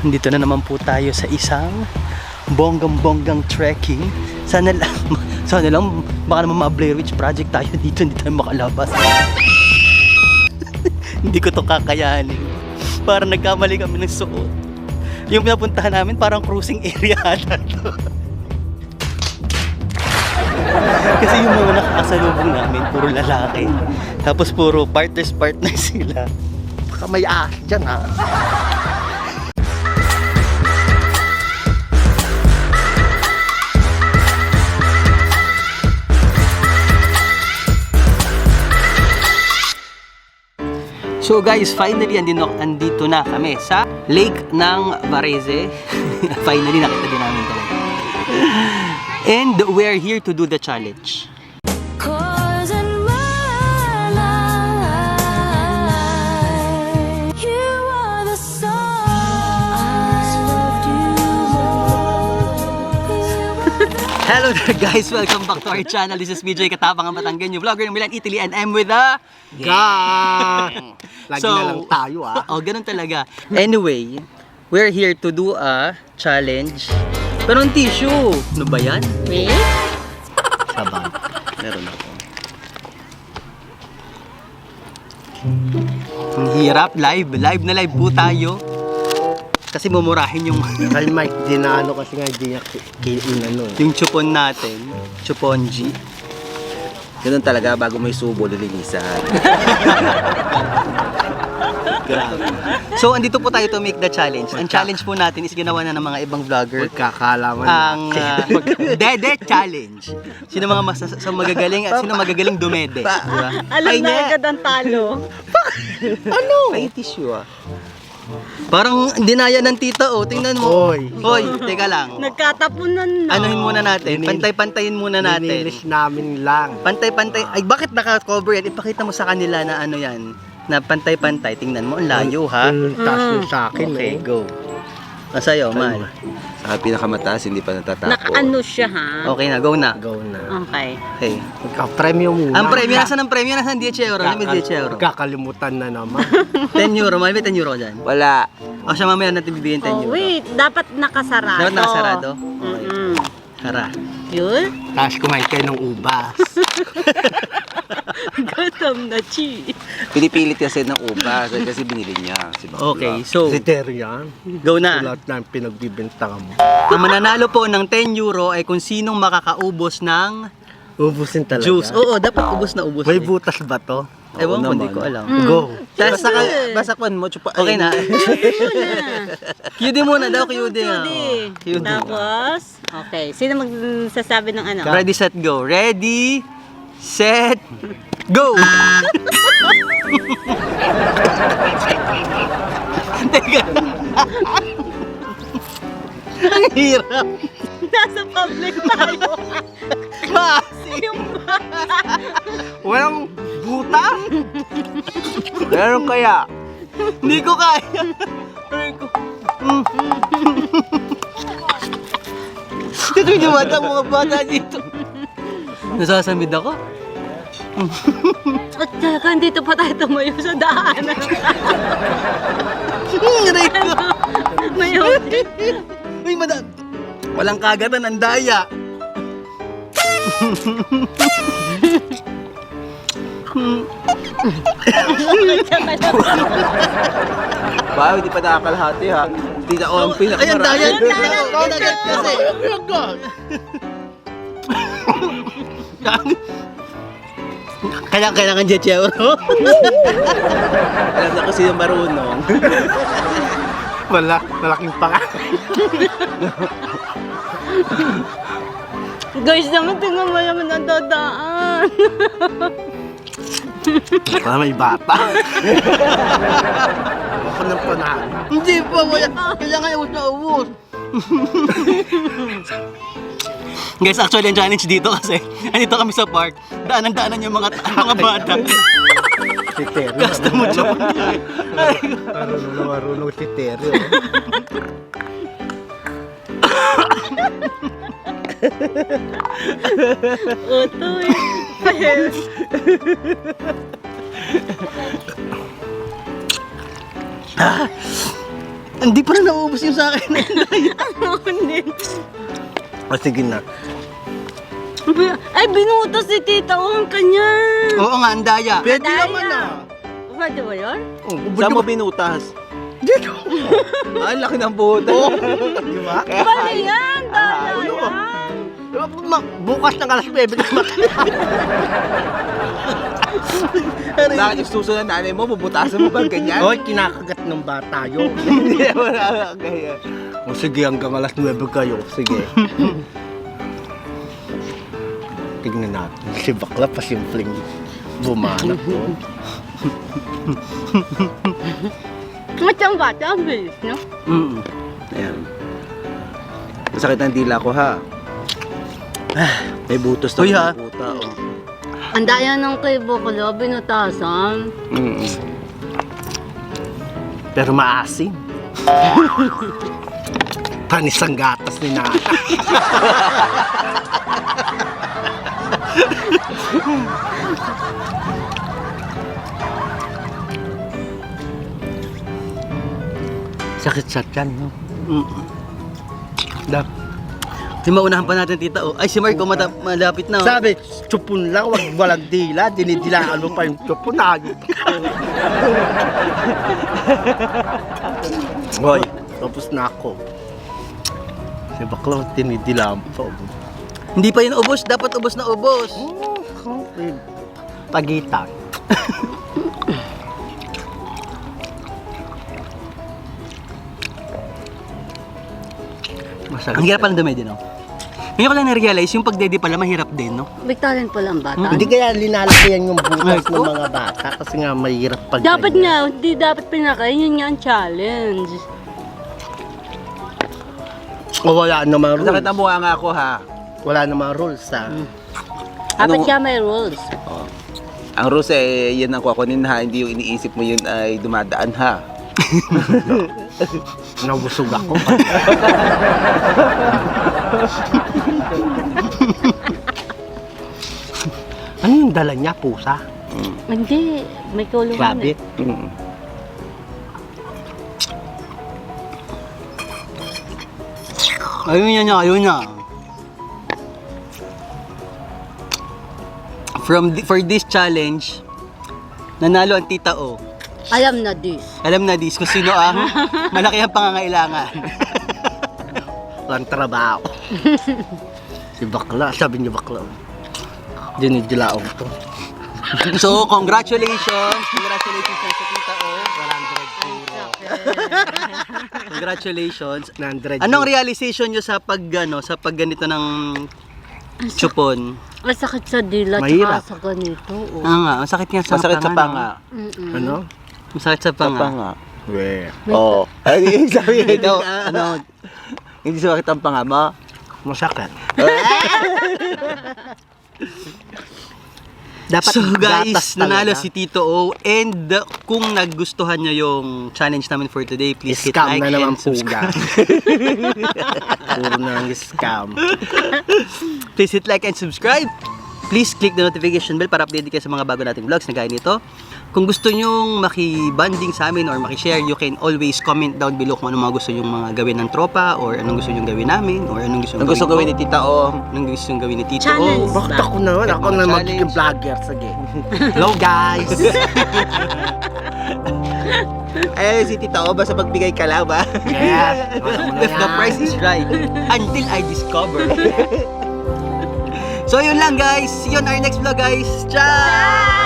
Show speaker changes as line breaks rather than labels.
Dito na naman po tayo sa isang bonggang-bonggang trekking. Sana lang baka naman ma-Blair Witch Project tayo dito, hindi tayo makalabas. Hindi ko to kakayanin. Parang nagkamali kami ng suot. Yung pinapuntahan namin parang cruising area na to. Kasi yung mga nakakasalubong namin puro lalaki. Tapos puro partners sila. Baka may ahas dyan ha. So guys, finally andito na kami sa lake ng Varese. Finally nakita din namin talaga. And we're here to do the challenge. Hello there guys! Welcome back to our channel. This is BJ Katapang, ang Batanggen, yung vlogger ng Milan, Italy, and I'm with the
gang! Lagi na lang tayo
Oh, ganun talaga. Anyway, we're here to do a challenge. Pero ang tissue, ano ba yan?
Wait.
Sabang. Meron ako. Ang hirap. Live na live po tayo. Kasi mumurahin yung
Kay Mike, dinaano kasi nga di niya kinano.
yung chupon natin. Chuponji.
Ganun talaga, bago may subo, lilinisan.
Grabe. So, andito po tayo to make the challenge. Ang challenge po natin is ginawa na ng mga ibang vlogger.
Magkakalaman.
Ang Dede Challenge. Sino mga magagaling at sino magagaling dumede. Diba?
Alam na agad ang talo.
Ano?
Ay, tissue ah.
Parang dinaya ng tita oh. Tingnan mo.
Hoy.
Hoy, teka lang.
Nagkatapunan na.
Anuhin muna natin. Pantay-pantayin muna natin.
Nililis namin lang.
Pantay-pantay. Ay, bakit naka-cover yan? Ipakita mo sa kanila na ano yan. Na pantay-pantay. Tingnan mo. Ang layo ha.
Taas yung sa akin
Okay, go. Sa'yo, Mal.
Saka pinakamataas, hindi pa natatapo.
Nakaano siya ha?
Okay na, go na.
Go na.
Okay.
Okay.
Magka-premyo muna.
Ang premyo, nasaan ang premyo? Nasaan 10 euro? May 10 euro.
Kakalimutan na naman.
10 euro. Mal, may 10 euro dyan.
Wala.
O siya mamaya natin bibigyan 10
Oh,
euro.
wait. Dapat nakasarado.
Dapat nakasarado? Okay. Tara.
Yun?
Tapos kumain kayo ng ubas.
Gutom na, chi.
Pinipilit kasi ng ubas kasi binili niya. Si Bakla.
Okay, so,
Kriteria yan.
go na.
Lahat na yung pinagbibintangan mo.
Ang mananalo po ng 10 euro ay kung sinong makakaubos ng
Ubusin talaga.
juice. Oo, dapat ubos na ubos.
May
eh.
butas ba to?
Ewan ko,
naman.
hindi ko alam.
Go.
Basta ka,
Basakwan mo, chupa.
okay na. QD muna daw, QD nga.
Judy. Tapos, okay. Sino magsasabi ng ano?
Ready, set, go. Ready, set, go! Teka. Ang hirap.
Nasa public tayo. Yung
Walang butas?
Meron kaya?
Hindi ko kaya. Aray ko. Ito yung bata, mga bata dito. Nasasamid ako.
At talaga, dito pa tayo tumayo sa daanan.
Aray ko.
Mayon.
Uy, madam. Walang kagatan, ang daya.
Wow, hindi pa nakakalahati ha. Hindi na ako ang
Ay, ang daya.
pinakamarami.
Kagat kasi. Kailangan 10 euro.
Alam na kasi yung marunong.
Malaking panga.
Guys naman, tingnan mo naman ang dadaan.
Para may bata. Ako ng panalo.
Hindi pa, wala. Kailangan ubos na ubos. Guys, actually ang challenge dito kasi andito kami sa park. Daanan-daanan yung mga bata.
Si Terry.
Gusto mo siya.
Marunong si Terry.
Utoy.
Hindi pa rin nauubos yung sa akin.
Hindi.
O sige na.
Ay, binutas si Tita O ang kanya.
Oo nga, ang daya.
Pwede
Daya.
naman ah.
Pwede ba yun?
Oh,
Saan mo binutas?
Dito.
Ang laki ng butas.
Di ba?
Paano yan? Daya
ano?
yan.
Bukas ng alas 9 naman.
Bakit yung susunod na nanay mo, bubutasan mo ba ganyan?
Hoy, kinakagat ng bata yun.
Hindi naman nakakagaya.
O sige, hanggang alas 9 kayo. Sige. Tignan natin. Si bakla pa simpleng bumanap to.
Matang bata, ang bilis, no?
Mm.
Ayan. Masakit ang dila ko ha. May butos na
Uy, ha?
puta. Oh.
Ang daya ng kay Bokolo, binutasan.
Pero maasim. Panis ang gatas ni Nana. Sakit sa tiyan, no? Dap.
Si maunahan pa natin, Tita O. Ay, si Marco, malapit na. Oh.
Sabi, tsupon lang, wag walang dila. Dinidilaan mo pa yung tsupon. Ayun. Hoy, tapos na ako. Si bakla, dinidilaan mo pa.
Hindi pa yun ubos. Dapat ubos na ubos.
Pagitan. Masarap.
Ang hirap pala dumay din, oh. Ngayon ko lang na-realize, yung pagdede pala mahirap din, no?
May talent pala ang bata.
Hindi kaya linalakihan yung butas ng mga bata kasi nga mahirap pag
Dapat nga, hindi dapat pinakain. Yun nga ang challenge.
O wala namang
Masakit
rules.
ang mukha nga ako ha.
Wala namang rules ha.
Dapat
Ano-
nga may rules.
Oh. Ang rules eh, yan ang kukunin ha. Hindi yung iniisip mo yun ay dumadaan ha.
Nabusog ako. Ano yung dala niya? Pusa?
Hindi, may kulungan.
Rabbit?
Mm.
Ayun niya, ayun niya. For this challenge, nanalo ang Tita O.
Alam na this.
Alam na dis kung sino ang malaki ang pangangailangan.
Walang trabaho. Si bakla, sabi niya bakla. Dinidilaong to.
So, congratulations! Congratulations sa Tita O. Congratulations.
100
Anong realization nyo sa pagganito ng chupon?
Masakit sa dila,
Mahirap.
tsaka sa ganito. Oh.
Nga, masakit nga sa
Masakit sa
no?
panga.
Ano?
Masakit sa
Sa
panga.
panga.
We.
Oo. Ay, sabi
Ikaw,
ano? Hindi sumakit ang panga mo?
Masakit. Dapat
So guys,
gatas
nanalo
talaga.
si Tito O. And kung nagustuhan nyo yung challenge namin for today, please hit
Scam
like
na naman
and
po
subscribe.
Puro na ang scam.
Please hit like and subscribe. Please click the notification bell para update kayo sa mga bago nating vlogs na gaya nito. Kung gusto nyong makibanding sa amin or makishare, you can always comment down below kung anong mga gusto nyong mga gawin ng tropa or anong gusto nyong gawin namin or anong gusto
Ang
nyong
gusto gawin ni Tita O.
anong gusto nyong gawin ni Tito
Challenge.
O.
Bakit ako naman? Ako
Mga
na
challenge.
magiging vlogger. Sige. Hello guys!
Eh, si Tita O, basta pagbigay ka lang ba?
Yes!
If the price is right. Until I discover. So yun lang guys. See you on our next vlog guys. Ciao!